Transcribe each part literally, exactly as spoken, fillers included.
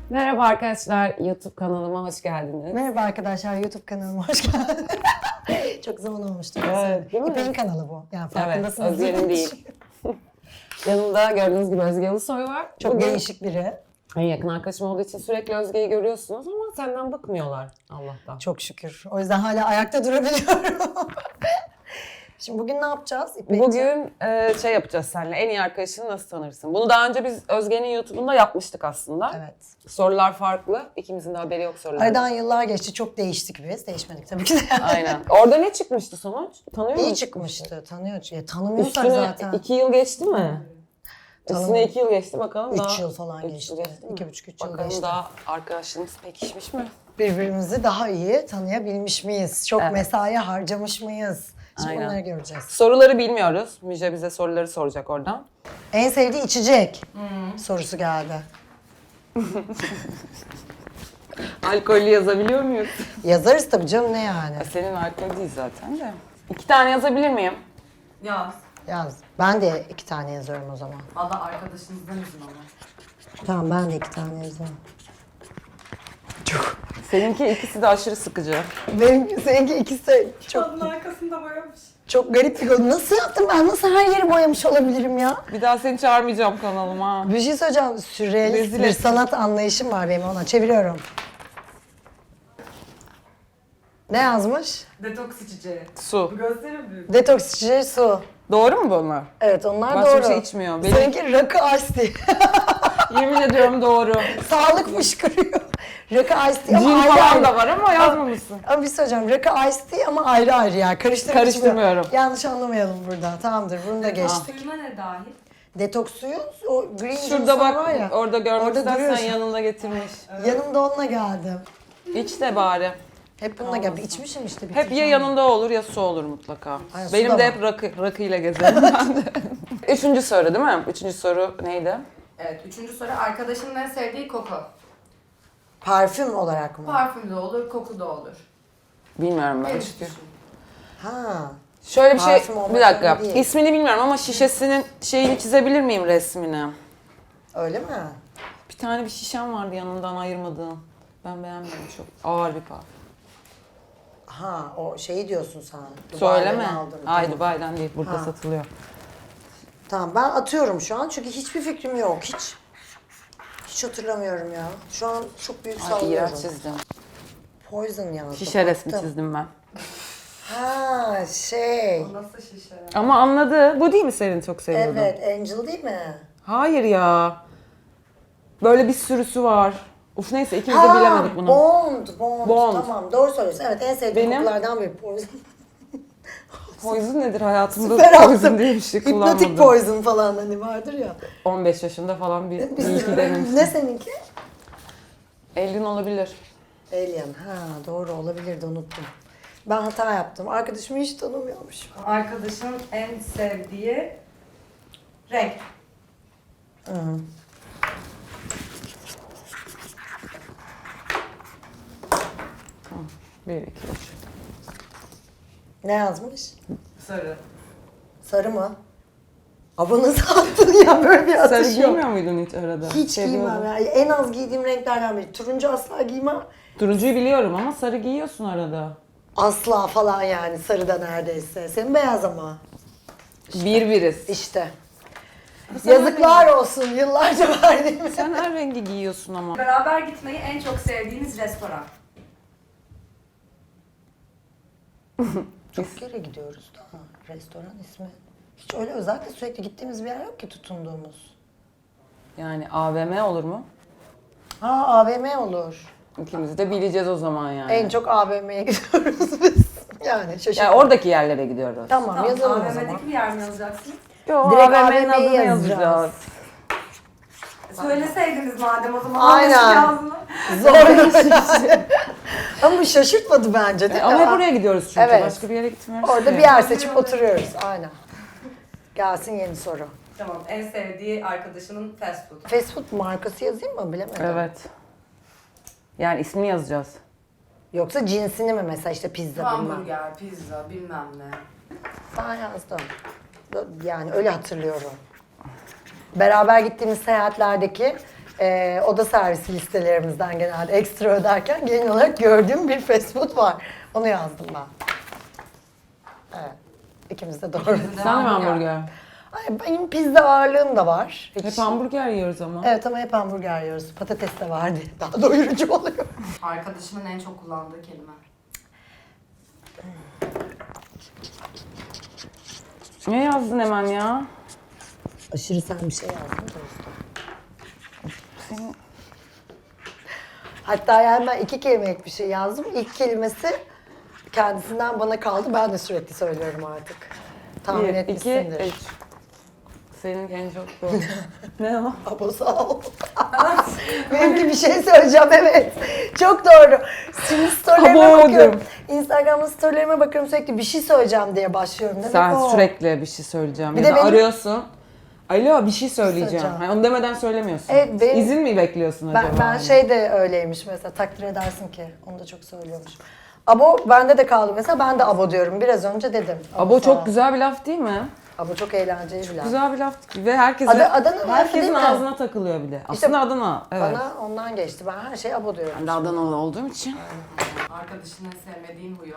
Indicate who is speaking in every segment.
Speaker 1: Merhaba arkadaşlar, YouTube kanalıma hoş geldiniz.
Speaker 2: Merhaba arkadaşlar, YouTube kanalıma hoş geldiniz. Çok zaman olmuştu.
Speaker 1: Evet, değil mi?
Speaker 2: İpek'in kanalı bu. Yani
Speaker 1: Evet,
Speaker 2: farkındasınız.
Speaker 1: Özge'nin değil. Yanımda gördüğünüz gibi Özge Ulusoy var.
Speaker 2: Çok
Speaker 1: Bugün
Speaker 2: değişik biri.
Speaker 1: en yakın arkadaşım olduğu için sürekli Özge'yi görüyorsunuz ama senden bıkmıyorlar Allah'tan.
Speaker 2: Çok şükür. O yüzden hala ayakta durabiliyorum. Şimdi bugün ne yapacağız İpek'ciğim?
Speaker 1: Bugün e, şey yapacağız seninle, en iyi arkadaşını nasıl tanırsın? Bunu daha önce biz Özge'nin YouTube'unda yapmıştık aslında.
Speaker 2: Evet.
Speaker 1: Sorular farklı, ikimizin de haberi yok sorulardan.
Speaker 2: Aradan yıllar geçti. Çok değiştik biz. Değişmedik tabii ki de.
Speaker 1: Aynen. Orada ne çıkmıştı sonuç? Tanıyor musun?
Speaker 2: İyi çıkmıştı. Tanıyor. Ya, tanımıyorsak
Speaker 1: Üstüne
Speaker 2: zaten.
Speaker 1: iki yıl geçti mi?
Speaker 2: Tanım-
Speaker 1: Üstüne iki yıl geçti bakalım daha.
Speaker 2: Üç yıl falan
Speaker 1: Üç
Speaker 2: geçti.
Speaker 1: yıl geçti mi?
Speaker 2: İki buçuk, üç yıl
Speaker 1: Bakalım
Speaker 2: geçti.
Speaker 1: daha arkadaşlığımız pekişmiş mi?
Speaker 2: Birbirimizi daha iyi tanıyabilmiş miyiz? Çok
Speaker 1: Evet.
Speaker 2: mesai harcamış mıyız? Şimdi
Speaker 1: Aynen.
Speaker 2: bunları göreceğiz.
Speaker 1: Soruları bilmiyoruz. Müjde bize soruları soracak oradan.
Speaker 2: En sevdiği içecek sorusu geldi.
Speaker 1: Alkollü yazabiliyor muyuz?
Speaker 2: Yazarız tabii canım, ne yani?
Speaker 1: Senin alkol değil zaten de. İki tane yazabilir miyim?
Speaker 3: Yaz.
Speaker 2: Yaz. Ben de iki tane yazıyorum o zaman.
Speaker 3: Valla arkadaşınızdan izin ama.
Speaker 2: Tamam, ben de iki tane yazıyorum.
Speaker 1: Seninki ikisi de aşırı sıkıcı.
Speaker 2: Benimki, seninki ikisi çok
Speaker 3: Kadın arkasında boyamış.
Speaker 2: çok garip bir konu. Nasıl yaptım ben? Nasıl her yeri boyamış olabilirim ya?
Speaker 1: Bir daha seni çağırmayacağım kanalıma.
Speaker 2: Bir şey söyleyeceğim. Sürrealist
Speaker 1: Rezil
Speaker 2: bir
Speaker 1: ettin.
Speaker 2: sanat anlayışım var benim ona. Çeviriyorum. Ne yazmış?
Speaker 3: Detoks içeceği.
Speaker 1: Su.
Speaker 3: Bu gösterir büyük.
Speaker 2: Detoks içeceği su.
Speaker 1: Doğru mu bunlar?
Speaker 2: Evet, onlar
Speaker 1: Başka
Speaker 2: doğru.
Speaker 1: bir şey içmiyor. Benim-
Speaker 2: Seninki rakı ice tea.
Speaker 1: Yemin ediyorum doğru.
Speaker 2: Sağlık fışkırıyor. Rakı ice tea
Speaker 1: Cin
Speaker 2: ama ayrı
Speaker 1: falan
Speaker 2: ayrı.
Speaker 1: da var ama yazmamışsın.
Speaker 2: Ama bir şey söyleyeceğim. Rakı ice tea ama ayrı ayrı ya. Karıştırıp
Speaker 1: Karıştırmıyorum.
Speaker 2: içmiyorum. Yanlış anlamayalım burada. Tamamdır. Bunu da geçtik.
Speaker 3: Suyuna ne dahil?
Speaker 2: Detoks suyu, o green
Speaker 1: Şurada
Speaker 2: juice
Speaker 1: bak,
Speaker 2: var ya.
Speaker 1: orada görmek
Speaker 2: orada
Speaker 1: istersen
Speaker 2: duruyorsun.
Speaker 1: yanında getirmiş.
Speaker 2: Yanımda onunla geldim.
Speaker 1: İç de bari.
Speaker 2: Hep bununla geldim. İçmişim işte.
Speaker 1: Hep ya
Speaker 2: bitireceğim.
Speaker 1: yanında olur ya su olur mutlaka.
Speaker 2: Ay, su
Speaker 1: Benim
Speaker 2: da
Speaker 1: de
Speaker 2: var.
Speaker 1: hep rakı, rakıyla gezerim ben de. Üçüncü soru değil mi? Üçüncü soru neydi?
Speaker 3: Evet, üçüncü soru arkadaşının en sevdiği koku.
Speaker 2: Parfüm olarak mı?
Speaker 3: Parfüm de olur, koku da olur.
Speaker 1: Bilmiyorum ben
Speaker 3: Benim
Speaker 1: çünkü.
Speaker 3: için.
Speaker 2: Ha.
Speaker 1: Şöyle bir şey,
Speaker 2: Parfüm olmak
Speaker 1: bir dakika.
Speaker 2: zorunda değil.
Speaker 1: İsmini bilmiyorum ama şişesinin şeyini çizebilir miyim resmini?
Speaker 2: Öyle mi?
Speaker 1: Bir tane bir şişem vardı yanından ayırmadığım. Ben beğenmedim çok. Ağır bir parfüm.
Speaker 2: Ha, o şeyi diyorsun sen.
Speaker 1: Söyleme.
Speaker 2: Dubai'den aldım.
Speaker 1: Ay
Speaker 2: Tamam.
Speaker 1: Dubai'den değil, burada
Speaker 2: Ha.
Speaker 1: satılıyor.
Speaker 2: Tamam, ben atıyorum şu an çünkü hiçbir fikrim yok. Hiç hiç hatırlamıyorum ya. Şu an çok büyük
Speaker 1: Ay
Speaker 2: sallıyorum.
Speaker 1: iğrenç çizdim.
Speaker 2: Poison yazdım.
Speaker 1: Şişe resmi
Speaker 2: attım.
Speaker 1: çizdim ben.
Speaker 2: Ha, şey.
Speaker 3: O nasıl şişe?
Speaker 1: Ama anladı. Bu değil mi senin çok seviyordun?
Speaker 2: Evet, Angel değil mi?
Speaker 1: Hayır ya. Böyle bir sürüsü var. Uf neyse ikimiz de bilemedik bunu.
Speaker 2: Bond, Bond,
Speaker 1: Bond.
Speaker 2: Tamam, doğru söylüyorsun. Evet, en sevdiğim
Speaker 1: Benim-
Speaker 2: kokulardan biri Poison.
Speaker 1: Poison nedir hayatımda?
Speaker 2: Süper
Speaker 1: Poison
Speaker 2: attım.
Speaker 1: diye bir şey
Speaker 2: Hipnotik
Speaker 1: kullanmadım.
Speaker 2: Poison falan hani vardır ya.
Speaker 1: on beş yaşında falan bir, bir iki
Speaker 2: ne
Speaker 1: denemiştim.
Speaker 2: seninki?
Speaker 1: Elin olabilir.
Speaker 2: Alien. Ha, doğru olabilirdi, unuttum. Ben hata yaptım. Arkadaşımı hiç tanımıyormuşum.
Speaker 3: Arkadaşın en sevdiği renk.
Speaker 2: Hı.
Speaker 1: Bir, iki, üç.
Speaker 2: Ne yazmış?
Speaker 3: Sarı.
Speaker 2: Sarı mı? Abi nasıl attın ya, böyle bir
Speaker 1: Sarı
Speaker 2: atış yok.
Speaker 1: giymiyor muydun hiç arada?
Speaker 2: Hiç
Speaker 1: Seviyordun.
Speaker 2: giymem ya. En az giydiğim renklerden biri. Turuncu asla giymem.
Speaker 1: Turuncuyu biliyorum ama sarı giyiyorsun arada.
Speaker 2: Asla falan yani, sarıda neredeyse. Senin beyaz ama.
Speaker 1: Bir biriz.
Speaker 2: İşte.
Speaker 1: Sen
Speaker 2: Yazıklar olsun yıllarca verdiğimiz.
Speaker 1: Sen her rengi giyiyorsun ama.
Speaker 3: Beraber gitmeyi en çok sevdiğiniz restoran.
Speaker 2: Çok kere gidiyoruz da restoran ismi. Hiç öyle özellikle sürekli gittiğimiz bir yer yok ki tutunduğumuz.
Speaker 1: Yani A V M olur mu?
Speaker 2: Ha, A V M olur.
Speaker 1: İkimiz de bileceğiz o zaman yani.
Speaker 2: En çok A V M'ye gidiyoruz biz. Yani şaşırdım.
Speaker 1: Yani oradaki yerlere gidiyoruz.
Speaker 2: Tamam,
Speaker 3: Tamam,
Speaker 2: yazalım o zaman.
Speaker 3: A V M'deki bir yer mi yazacaksın?
Speaker 1: Yo,
Speaker 2: Direkt
Speaker 1: A V M'nin
Speaker 2: A V M'yi
Speaker 1: adını
Speaker 2: yazacağız.
Speaker 1: yazacağız.
Speaker 3: Söyleseydiniz madem o zaman.
Speaker 2: Aynen.
Speaker 3: Aynen.
Speaker 2: Zor. Ama bu şaşırtmadı bence değil
Speaker 1: E,
Speaker 2: mi?
Speaker 1: ama hep oraya gidiyoruz çünkü.
Speaker 2: Evet.
Speaker 1: Başka bir yere gitmiyoruz.
Speaker 2: Orada
Speaker 1: ki.
Speaker 2: bir yer seçip oturuyoruz. Aynen. Gelsin yeni soru.
Speaker 3: Tamam, en sevdiği arkadaşının fast food.
Speaker 2: Fast food markası yazayım mı, bilemedim.
Speaker 1: Evet. Yani ismini yazacağız.
Speaker 2: Yoksa cinsini mi, mesela işte pizza bilmem.
Speaker 3: Hamburger, pizza, bilmem ne.
Speaker 2: Ben yazdım. Yani öyle hatırlıyorum. Beraber gittiğimiz seyahatlerdeki e, oda servisi listelerimizden genelde ekstra öderken genel olarak gördüğüm bir fast food var. Onu yazdım ben. Evet. İkimiz de doğru.
Speaker 3: İkimiz de.
Speaker 1: Sen mi
Speaker 3: Hamburger.
Speaker 1: hamburger?
Speaker 2: Ay, benim pizza ağırlığım da var. Hiç-
Speaker 1: Hep hamburger yiyoruz ama.
Speaker 2: Evet ama hep hamburger yiyoruz. Patates de vardı. Daha doyurucu oluyor.
Speaker 3: Arkadaşımın en çok kullandığı kelime.
Speaker 1: Ne yazdın hemen ya?
Speaker 2: Aşırı sen bir şey yazdın da
Speaker 1: Senin...
Speaker 2: Hatta yani ben iki kelimelik bir şey yazdım. İlk kelimesi kendisinden bana kaldı. Ben de sürekli söylüyorum artık. Tahmin
Speaker 1: Bir, iki,
Speaker 2: etmişsindir.
Speaker 1: üç. Senin en çok bu. Ne o?
Speaker 2: Abo sağ ol. Benimki bir şey söyleyeceğim, evet. Çok doğru. Şimdi storylerime
Speaker 1: Abo
Speaker 2: bakıyorum.
Speaker 1: dedim.
Speaker 2: Instagram'da storylerime bakıyorum, sürekli bir şey söyleyeceğim diye başlıyorum. Demek
Speaker 1: Sen
Speaker 2: o.
Speaker 1: sürekli bir şey söyleyeceğim.
Speaker 2: Bir
Speaker 1: ya
Speaker 2: de
Speaker 1: da
Speaker 2: benim-
Speaker 1: arıyorsun. Alo bir şey söyleyeceğim.
Speaker 2: Söyleyeceğim.
Speaker 1: Hani onu demeden söylemiyorsun.
Speaker 2: Evet, benim-
Speaker 1: İzin mi bekliyorsun
Speaker 2: Ben,
Speaker 1: acaba?
Speaker 2: ben
Speaker 1: hani?
Speaker 2: şey de öyleymiş mesela, takdir edersin ki. Onu da çok söylüyormuş. Abo bende de kaldı mesela, ben de abo diyorum. Biraz önce dedim.
Speaker 1: Abo
Speaker 2: sağ ol.
Speaker 1: çok güzel bir laf değil mi?
Speaker 2: Abo çok eğlenceli bir laf.
Speaker 1: Güzel bir laf ve herkesin
Speaker 2: Adı- Adana lafı değil
Speaker 1: herkesin
Speaker 2: mi?
Speaker 1: ağzına takılıyor bir de. Aslında Adana. Evet.
Speaker 2: Bana ondan geçti. Ben her şeye abo diyorum.
Speaker 1: Ben de Adanalı olduğum için.
Speaker 3: Arkadaşının en sevmediğin huyu.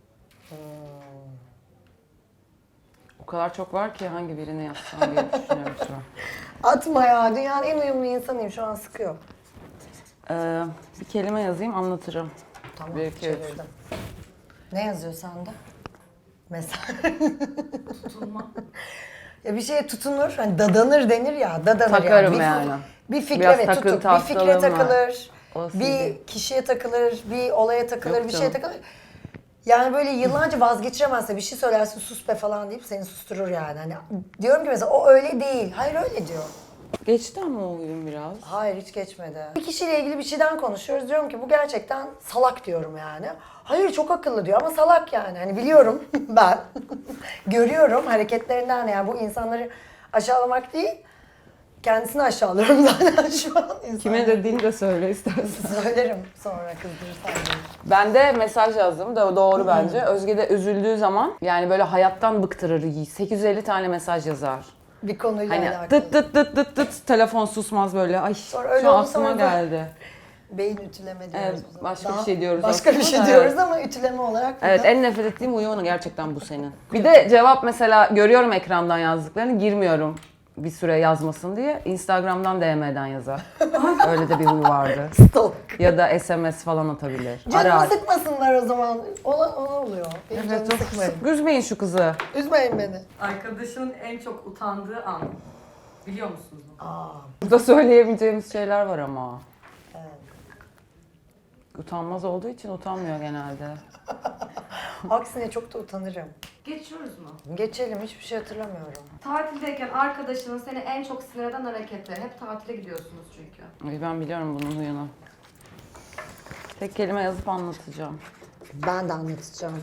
Speaker 1: O kadar çok var ki hangi birini yazsam diye düşünüyorum şu an.
Speaker 2: Atma ya. Dünyanın en uyumlu insanıyım. Şu an sıkıyor.
Speaker 1: Ee, bir kelime yazayım anlatırım.
Speaker 2: Tamam,
Speaker 1: Bir, iki, üç.
Speaker 2: çevirdim. Ne yazıyor sende? Mesela.
Speaker 3: Tutulma.
Speaker 2: Ya bir şeye tutunur, hani dadanır denir ya, dadanır
Speaker 1: Takarım
Speaker 2: yani. Bir,
Speaker 1: yani.
Speaker 2: Bir fikre
Speaker 1: Biraz
Speaker 2: evet
Speaker 1: takıntı
Speaker 2: tutur, bir fikre
Speaker 1: hastalığım var.
Speaker 2: takılır,
Speaker 1: O
Speaker 2: bir
Speaker 1: sizin.
Speaker 2: kişiye takılır, bir olaya takılır,
Speaker 1: Yok
Speaker 2: bir şeye
Speaker 1: canım.
Speaker 2: takılır. Yani böyle yıllarca vazgeçiremezse bir şey söylersin, sus be falan deyip seni susturur yani. Hani diyorum ki mesela o öyle değil, hayır öyle diyor.
Speaker 1: Geçti ama o oyun biraz.
Speaker 2: Hayır hiç geçmedi. Bir kişiyle ilgili bir şeyden konuşuyoruz. Diyorum ki bu gerçekten salak diyorum yani. Hayır çok akıllı diyor ama salak yani. Hani biliyorum ben. Görüyorum hareketlerinden yani bu insanları aşağılamak değil. Kendisini aşağılıyorum zaten şu an. İnsanları.
Speaker 1: Kime dediğini de söyle istersen.
Speaker 2: Söylerim sonra kızdırırsan beni.
Speaker 1: Ben de mesaj yazdım da doğru bence. Özge de üzüldüğü zaman yani böyle hayattan bıktırır. sekiz yüz elli tane mesaj yazar.
Speaker 2: Bir konuyla
Speaker 1: Hani
Speaker 2: alakalı.
Speaker 1: tıt tıt tıt tıt tıt telefon susmaz böyle. Ay
Speaker 2: Sonra öyle
Speaker 1: şu an
Speaker 2: oldu,
Speaker 1: aklıma
Speaker 2: sonra da-
Speaker 1: geldi.
Speaker 2: Beyin ütüleme diyoruz
Speaker 1: Evet,
Speaker 2: o zaman.
Speaker 1: başka bir şey diyoruz
Speaker 2: Başka bir
Speaker 1: aslında
Speaker 2: şey
Speaker 1: da,
Speaker 2: diyoruz
Speaker 1: evet.
Speaker 2: ama ütüleme olarak
Speaker 1: Evet
Speaker 2: burada-
Speaker 1: en nefret ettiğim huyu gerçekten bu senin. Bir de cevap mesela görüyorum ekrandan yazdıklarını girmiyorum bir süre yazmasın diye. Instagram'dan D M'den yazar. Öyle de bir huyu vardı.
Speaker 2: Stalk.
Speaker 1: Ya da S M S falan atabilir.
Speaker 2: Canımı
Speaker 1: Arar.
Speaker 2: sıkmasınlar o zaman. Ona, ona oluyor. Benim
Speaker 1: Evet,
Speaker 2: canımı
Speaker 1: çok
Speaker 2: sıkmayın.
Speaker 1: sık- üzmeyin şu kızı.
Speaker 2: Üzmeyin beni.
Speaker 3: Arkadaşının en çok utandığı an. Biliyor musunuz bunu?
Speaker 2: Aa,
Speaker 1: Burada söyleyemeyeceğimiz şeyler var ama.
Speaker 2: evet.
Speaker 1: Utanmaz olduğu için utanmıyor genelde.
Speaker 2: Aksine çok da utanırım.
Speaker 3: Geçiyoruz mu?
Speaker 2: Geçelim, hiçbir şey hatırlamıyorum.
Speaker 3: Tatildeyken arkadaşının seni en çok sinir eden hareketleri. Hep tatile gidiyorsunuz çünkü.
Speaker 1: Ay, ben biliyorum bunun huyunu. Tek kelime yazıp anlatacağım.
Speaker 2: Ben de anlatacağım.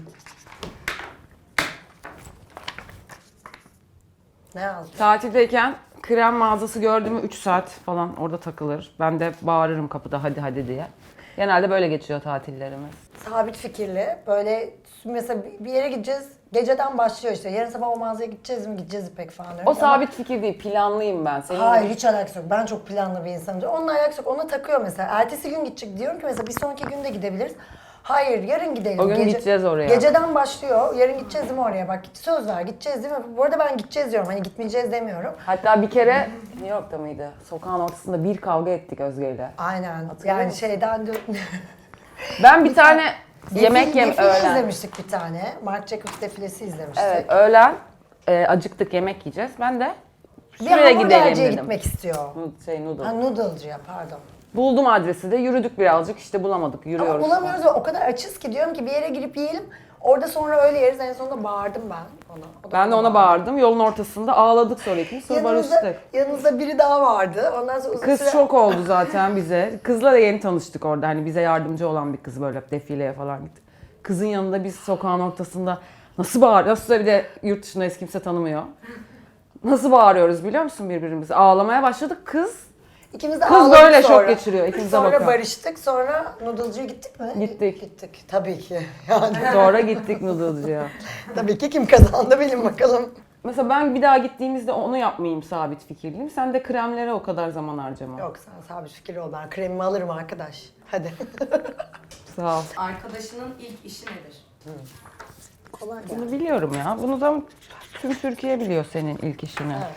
Speaker 2: Ne yazdın?
Speaker 1: Tatildeyken krem mağazası gördüğümü üç saat falan orada takılır. Ben de bağırırım kapıda hadi hadi diye. Genelde böyle geçiyor tatillerimiz.
Speaker 2: Sabit fikirli, böyle mesela bir yere gideceğiz, geceden başlıyor işte. Yarın sabah o mağazaya gideceğiz mi, gideceğiz İpek falan diyorum.
Speaker 1: O
Speaker 2: Ama-
Speaker 1: sabit fikir değil, planlıyım ben. Senin
Speaker 2: Hayır
Speaker 1: gibi-
Speaker 2: hiç alakası yok. Ben çok planlı bir insanım. Onunla alakası yok. Ona takıyor mesela. Ertesi gün gidecek diyorum ki mesela bir sonraki gün de gidebiliriz. Hayır yarın gidelim.
Speaker 1: O gün gideceğiz oraya.
Speaker 2: Geceden başlıyor. Yarın gideceğiz değil mi oraya? Bak söz ver gideceğiz değil mi? Bu arada ben gideceğiz diyorum. Hani gitmeyeceğiz demiyorum.
Speaker 1: Hatta bir kere New York'ta mıydı? Sokağın ortasında bir kavga ettik Özge'yle.
Speaker 2: Aynen.
Speaker 1: Hatırlıyor
Speaker 2: yani
Speaker 1: musun?
Speaker 2: şeyden de...
Speaker 1: Ben bir tane yemek
Speaker 2: Defile-
Speaker 1: yem
Speaker 2: defile
Speaker 1: öğlen.
Speaker 2: izlemiştik bir tane. Marc Jacobs defilesi izlemiştik.
Speaker 1: Evet öğlen e, acıktık yemek yiyeceğiz. Ben de
Speaker 2: Bir
Speaker 1: şuraya gidelim
Speaker 2: hamburgerciye
Speaker 1: dedim.
Speaker 2: gitmek istiyor.
Speaker 1: Nu- Şey noodle.
Speaker 2: Ha noodle'cıya pardon.
Speaker 1: Buldum adresi de yürüdük birazcık işte bulamadık yürüyoruz.
Speaker 2: Ama bulamıyoruz ve o kadar açız ki diyorum ki bir yere girip yiyelim. Orada sonra öyle yeriz. En sonunda bağırdım ben ona. O da
Speaker 1: Ben de
Speaker 2: bana
Speaker 1: ona bağırdım. Yolun ortasında ağladık sonra ikimiz sonra
Speaker 2: Yanımızda,
Speaker 1: barıştık.
Speaker 2: yanımızda biri daha vardı. Ondan sonra uzun
Speaker 1: Kız
Speaker 2: süre...
Speaker 1: şok oldu zaten bize. Kızla da yeni tanıştık orada. Hani bize yardımcı olan bir kız böyle defileye falan gitti. Kızın yanında biz sokağın ortasında nasıl bağır, nasıl bir de yurt dışında hiç kimse tanımıyor. Nasıl bağırıyoruz biliyor musun birbirimize? Ağlamaya başladık. Kız
Speaker 2: İkimiz de
Speaker 1: Kız
Speaker 2: ağladık
Speaker 1: böyle şok
Speaker 2: sonra.
Speaker 1: geçiriyor, ikimize
Speaker 2: Sonra
Speaker 1: bakıyor.
Speaker 2: barıştık. Sonra noodle'cıya gittik mi?
Speaker 1: Gittik.
Speaker 2: Gittik. Tabii ki. Yani
Speaker 1: sonra gittik noodle'cıya.
Speaker 2: tabii ki kim kazandı bilin bakalım.
Speaker 1: Mesela ben bir daha gittiğimizde onu yapmayayım sabit fikirliyim. Sen de kremlere o kadar zaman harcama.
Speaker 2: Yok sen sabit fikirli ol. Ben kremimi alırım arkadaş. Hadi.
Speaker 1: Sağ ol.
Speaker 3: Arkadaşının ilk işi nedir?
Speaker 2: Kolay gelsin.
Speaker 1: Bunu biliyorum ya. Bunu da tüm Türkiye biliyor senin ilk işini.
Speaker 2: Evet.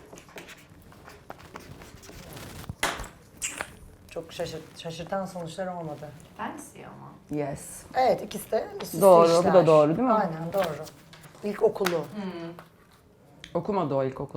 Speaker 2: Çok şaşırt, şaşırtan sonuçlar olmadı.
Speaker 3: Fancy ama.
Speaker 1: Yes.
Speaker 2: Evet ikisi de üst üste
Speaker 1: Doğru, bu
Speaker 2: işler.
Speaker 1: da doğru değil mi?
Speaker 2: Aynen doğru. İlk okulu.
Speaker 1: Okumadı o ilkokulu.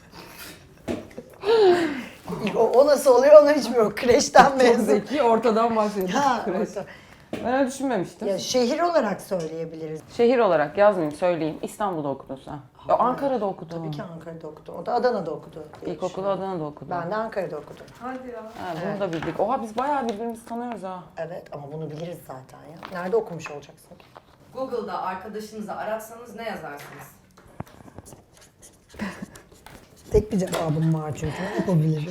Speaker 2: İlk, o, o nasıl oluyor onu hiç bilmiyorum. Kreşten
Speaker 1: Çok
Speaker 2: mezun.
Speaker 1: zeki, ortadan başladı.
Speaker 2: Ha,
Speaker 1: Kreş.
Speaker 2: orta.
Speaker 1: Ben öyle düşünmemiştim.
Speaker 2: Ya şehir olarak söyleyebiliriz.
Speaker 1: Şehir olarak yazmayayım, söyleyeyim. İstanbul'da okudun sen. Ya Ankara'da okudun.
Speaker 2: Tabii ki Ankara'da okudu. O da Adana'da okudu. diye
Speaker 1: İlkokulu
Speaker 2: düşünüyorum.
Speaker 1: Adana'da okudun.
Speaker 2: Ben de Ankara'da okudum.
Speaker 3: Hadi ya.
Speaker 1: Ha, bunu da bildik. Oha biz bayağı birbirimizi tanıyoruz ha.
Speaker 2: Evet ama bunu biliriz zaten ya. Nerede okumuş olacaksın ki?
Speaker 3: Google'da arkadaşınızı aratsanız ne yazarsınız?
Speaker 2: Tek bir cevabım var çünkü. Ne yapabilirim?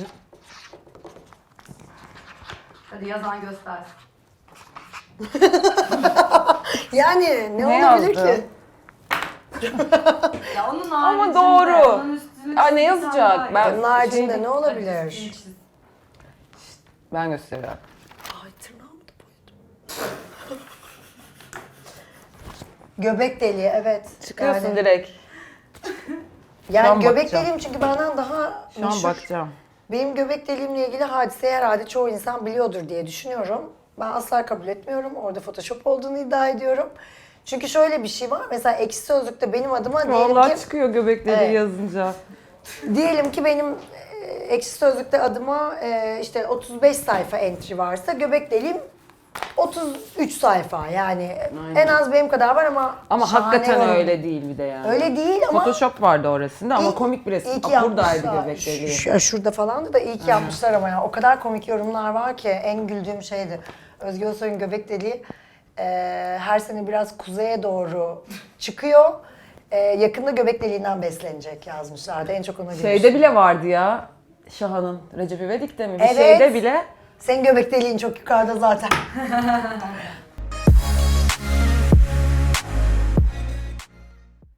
Speaker 3: Hadi yazan göstersin.
Speaker 2: Yani ne,
Speaker 1: Ne
Speaker 2: olabilir
Speaker 1: yazdı?
Speaker 2: ki?
Speaker 3: Ya onun
Speaker 1: Ama
Speaker 3: haricinde,
Speaker 1: doğru.
Speaker 3: onun üstüne
Speaker 1: Aa, ne
Speaker 3: bir tane
Speaker 1: yazacak?
Speaker 3: daha
Speaker 1: Ben-
Speaker 3: yaz.
Speaker 2: Onun haricinde
Speaker 1: Şey-
Speaker 2: ne
Speaker 3: Hadi
Speaker 2: olabilir?
Speaker 3: üstünü çiz.
Speaker 1: Ben gösteriyorum.
Speaker 2: Ay tırnağımı da boyadım. Göbek deliği evet.
Speaker 1: Çıkıyorsun
Speaker 2: yani,
Speaker 1: direkt.
Speaker 2: Yani
Speaker 1: Şu an
Speaker 2: göbek
Speaker 1: bakacağım.
Speaker 2: deliğim çünkü benden daha
Speaker 1: Şu an
Speaker 2: meşhur.
Speaker 1: bakacağım.
Speaker 2: Benim göbek deliğimle ilgili hadiseyi herhalde çoğu insan biliyordur diye düşünüyorum. Ben asla kabul etmiyorum. Orada Photoshop olduğunu iddia ediyorum. Çünkü şöyle bir şey var. Mesela Ekşi Sözlük'te benim adıma diyelim
Speaker 1: Vallahi
Speaker 2: ki...
Speaker 1: çıkıyor göbekleri
Speaker 2: Evet.
Speaker 1: yazınca.
Speaker 2: Diyelim ki benim e, Ekşi Sözlük'te adıma e, işte otuz beş sayfa entry varsa göbek deliğim otuz üç sayfa. Yani
Speaker 1: Aynen.
Speaker 2: en az benim kadar var ama
Speaker 1: Ama
Speaker 2: şahane
Speaker 1: hakikaten
Speaker 2: yorum.
Speaker 1: öyle değil bir de yani.
Speaker 2: Öyle değil ama
Speaker 1: Photoshop vardı o resimde ama
Speaker 2: İyi-
Speaker 1: komik bir resim.
Speaker 2: iyi ki
Speaker 1: Aa, buradaydı
Speaker 2: yapmışlar.
Speaker 1: göbek deliği.
Speaker 2: Şu- şu- şurada falandı da iyi ki yapmışlar ama ya. O kadar komik yorumlar var ki en güldüğüm şeydi. Özge Özsoy'un göbek deliği e, her sene biraz kuzeye doğru çıkıyor. E, yakında göbek deliğinden beslenecek yazmışlardı. En çok ona gülmüştüm.
Speaker 1: Şeyde bile vardı ya. Şahan'ın Recep İvedik'te mi? Bir
Speaker 2: Evet.
Speaker 1: şeyde bile.
Speaker 2: Senin göbek deliğin çok yukarıda zaten.